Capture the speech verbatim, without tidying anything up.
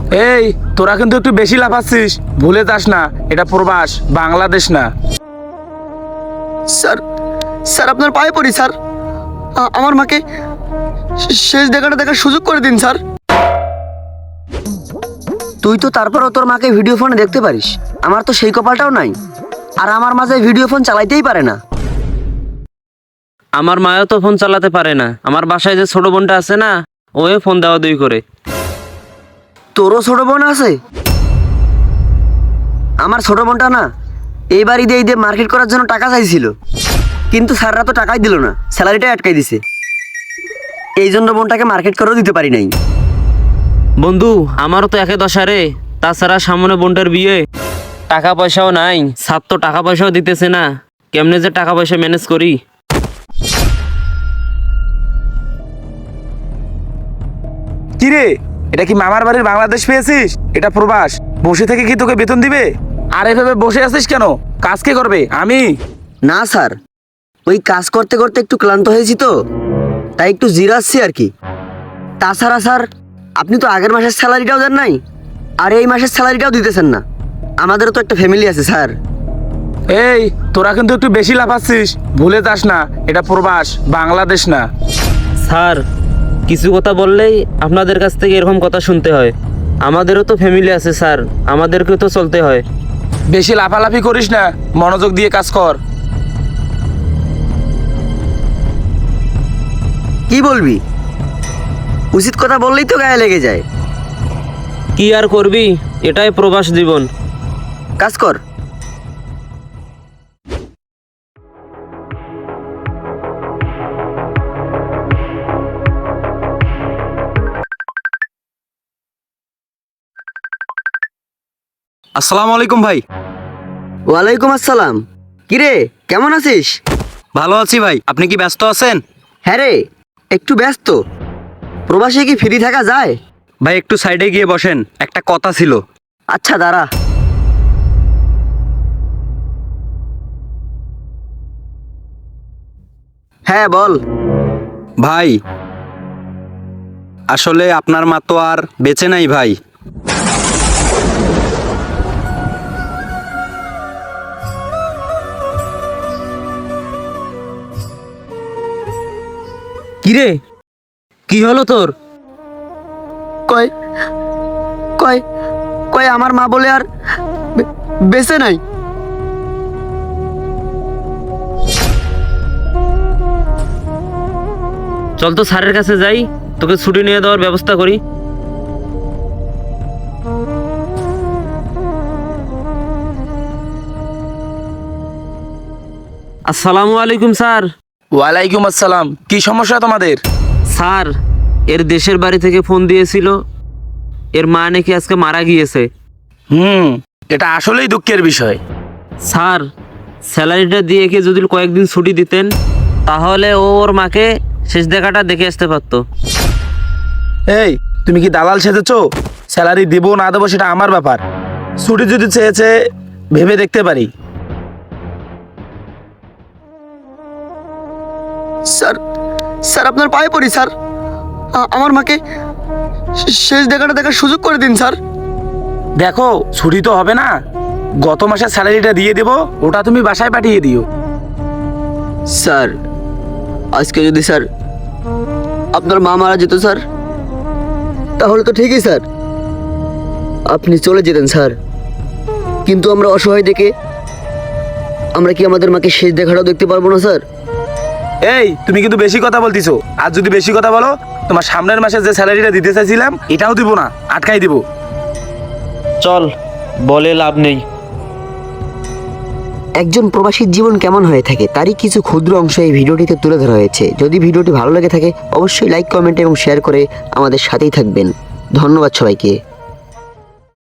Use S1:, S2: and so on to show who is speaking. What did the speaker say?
S1: এই তোরা কিন্তু একটু বেশি লাফাচ্ছিস, ভুলে যাস না এটা প্রবাস, বাংলাদেশ না।
S2: স্যার স্যার আপনার পায়ে পড়ি স্যার, আ- আমার মাকে শেষ দেখাটা দেখার সুযোগ করে দিন স্যার। তুই তো তারপরও তোর মাকে ভিডিও ফোনে দেখতে পারিস, আমার তো সেই কপালটাও নাই। আর আমার মাঝে ভিডিও ফোন চালাইতেই পারে না।
S3: আমার মাও তো ফোন চালাতে পারে না। আমার বাসায় যে ছোট বোনটা আছে না, ওই ফোন দেওয়া দুই করে।
S2: তোরও ছোট বোন আছে? আমার ছোট বোনটা না এই বাড়ি দিয়ে দিয়ে মার্কেট করার জন্য টাকা চাইছিল, কিন্তু স্যাররা তো টাকাই দিল না, স্যালারিটাই আটকাই দিছে। এই জন্য বোনটাকে মার্কেট করেও দিতে পারি নাই।
S3: বন্ধু আমারও তো একে দশা রে, তাছাড়া সামনে বোনটার বিয়ে, টাকা পয়সাও নাই, সাত তো টাকা পয়সাও দিতেছে না, কেমনে যে টাকা পয়সা ম্যানেজ করি।
S1: কিরে, এটা কি মামার বাড়ির বাংলাদেশ পেয়েছিস? এটা প্রবাস, বসে থেকে কি তোকে বেতন দিবে? আর এভাবে বসে আছিস কেন? কাজ কে করবে? আমি?
S2: না স্যার, ওই কাজ করতে করতে একটু ক্লান্ত হয়েছি তো, তাই একটু জিরাচ্ছি আর কি। তাছাড়া স্যার আপনি তো আগের মাসের স্যালারিটাও দেন নাই, আর এই মাসের স্যালারিটাও দিতেছেন না। আমাদেরও তো একটা ফ্যামিলি আছে স্যার।
S1: এই তোরা কিন্তু একটু বেশি লাফাচ্ছিস, ভুলে যাস না এটা প্রবাস, বাংলাদেশ না।
S3: স্যার কিছু কথা বললেই আপনাদের কাছ থেকে এরকম কথা শুনতে হয়। আমাদেরও তো ফ্যামিলি আছে স্যার, আমাদেরকেও তো চলতে হয়।
S1: বেশি লাফালাফি করিস না, মনোযোগ দিয়ে কাজ কর।
S2: কি বলবি? উচিত কথা বললেই তো গায়ে লেগে যায়।
S3: কি আর করবি, এটাই প্রবাস জীবন।
S2: কাজ কর।
S4: আসসালামু আলাইকুম ভাই।
S2: ওয়ালাইকুম আসসালাম। কিরে কেমন আছিস?
S4: ভালো আছি ভাই, আপনি কি ব্যস্ত আছেন?
S2: হ্যাঁ রে, একটু ব্যস্ত। প্রবাসে কি ফ্রি থাকা যায়?
S4: ভাই একটু সাইডে গিয়ে বসেন, একটা কথা ছিল।
S2: আচ্ছা দাঁড়া। হ্যাঁ বল।
S4: ভাই আসলে আপনার মা তো আর বেঁচে নাই ভাই।
S3: কিরে কি হলো তোর?
S2: কয় কয় কয় আমার মা বলে আর বে- বেঁচে নাই।
S3: চল তো স্যারের কাছে যাই, তোকে ছুটি নিয়ে দেওয়ার ব্যবস্থা করি। আসসালামু আলাইকুম স্যার।
S1: ওয়ালাইকুম আসসালাম। কি সমস্যা তোমাদের?
S3: স্যার এর দেশের বাড়ি থেকে ফোন দিয়েছিল, এর মা নাকি আজকে মারা গিয়েছে।
S1: হুম, এটা আসলেই দুঃখের বিষয়।
S3: স্যার স্যালারিটা দিয়ে কি যদি কয়েকদিন ছুটি দিতেন, তাহলে ও ওর মাকে শেষ দেখাটা দেখে আসতে পারতো।
S1: এই তুমি কি দালাল সেজেছো? স্যালারি দেবো না দেবো সেটা আমার ব্যাপার। ছুটি যদি চেয়েছে ভেবে দেখতে পারি।
S2: স্যার স্যার আপনার পায়ে পড়ি স্যার, আ- আমার মাকে শেষ দেখাটা দেখার সুযোগ করে দিন স্যার।
S1: দেখো ছুটি তো হবে না, গত মাসের স্যালারিটা দিয়ে দেবো, ওটা তুমি বাসায় পাঠিয়ে দিও।
S2: স্যার আজকে যদি স্যার আপনার মা মারা যেত স্যার, তাহলে তো ঠিকই স্যার, আপনি চলে যেতেন স্যার। কিন্তু আমরা অসহায় দেখে আমরা কি আমাদের মাকে শেষ দেখাটাও দেখতে পারবো না স্যার?
S1: এই তুমি কিন্তু বেশি কথা বলতিছো, আর যদি বেশি কথা বলো তোমার সামনের মাসে যে স্যালারিটা দিতে চাইছিলাম এটাও দিব না, আটকাই দিব।
S3: চল, বলে লাভ নেই।
S2: একজন প্রবাসীর জীবন কেমন হয়ে থাকে তারই কিছু ক্ষুদ্র অংশ এই ভিডিওটিতে তুলে ধরা হয়েছে। যদি ভিডিওটি ভালো লেগে থাকে অবশ্যই লাইক, কমেন্ট এবং শেয়ার করে আমাদের সাথেই থাকবেন। ধন্যবাদ সবাইকে।